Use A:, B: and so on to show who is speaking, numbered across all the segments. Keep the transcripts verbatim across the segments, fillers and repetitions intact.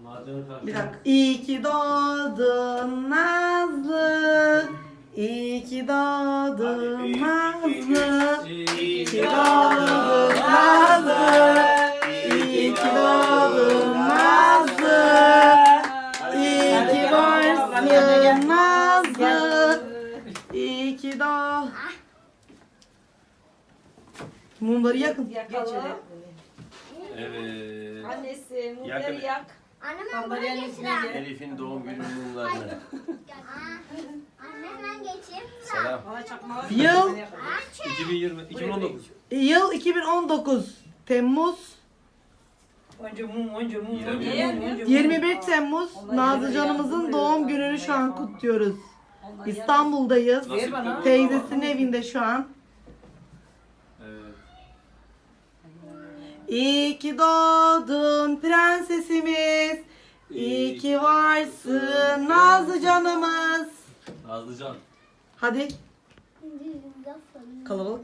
A: Bir dakika. İyi ki doğdun Nazlı. İyi ki doğdun Nazlı. İyi ki doğdun Nazlı. İyi ki doğdun Nazlı. İyi ki varsın Nazlı. İyi ki doğ. Mumları yakın.
B: Yakalım.
C: Evet.
B: Annesi mumları
C: Yakın.
B: yak.
D: Annem
B: Kamerayı
D: bunu
B: üstüne
D: geçir.
B: gel.
C: Elif'in doğum günü mumlarını.
D: Annem ben geçeyim.
C: Selam.
B: Bana çakmağı.
A: Yıl
C: iki bin yirmi, iki bin on dokuz.
A: Yıl iki bin on dokuz Temmuz
B: Önce mum, önce mum,
C: Yirmi
B: önce
C: bir.
B: mum, önce mum.
A: yirmi bir Temmuz Nazlıcanımızın doğum gününü şu an kutluyoruz. İstanbul'dayız.
B: Ver bana.
A: Teyzesinin evinde şu an.
C: Evet.
A: İyi ki doğdun prensesimiz. İyi ki varsın Nazlı canımız.
C: Nazlıcan.
A: Hadi kalabalık.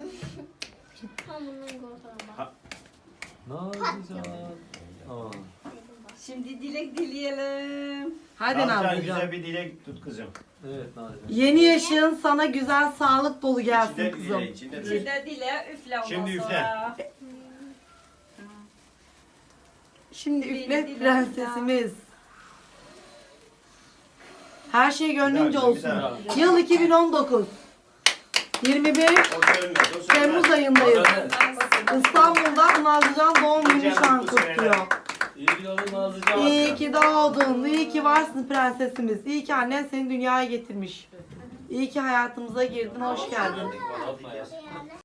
C: Nazlıcan. Aa.
B: Şimdi dilek dileyelim.
A: Hadi
E: Nazlıcan
A: Nazlıcan.
E: güzel bir dilek tut kızım.
C: Evet Nazlıcan.
A: Yeni yaşın sana güzel sağlık dolu gelsin
E: İçinde bir
A: kızım.
E: dile, içinde bir
B: Şimdi
E: dile.
B: de dile üfle ondan
E: Şimdi üfle.
B: sonra.
A: Şimdi
B: Dile,
A: üflet
B: dile,
A: prensesimiz. Her şey gönlünce
E: Bir daha, bir
A: olsun.
E: daha.
A: Yıl iki bin on dokuz. yirmi bir
E: O sönmez, o sönmez.
A: Temmuz ayındayız.
C: Evet.
A: İstanbul'da Nazlıcan doğum günü şu an kutluyor.
C: İyi ki doğdun Nazlıcan.
A: İyi ki doğdun, iyi ki varsın prensesimiz. İyi ki annen seni dünyaya getirmiş. İyi ki hayatımıza girdin, hoş geldin.
C: Atma ya.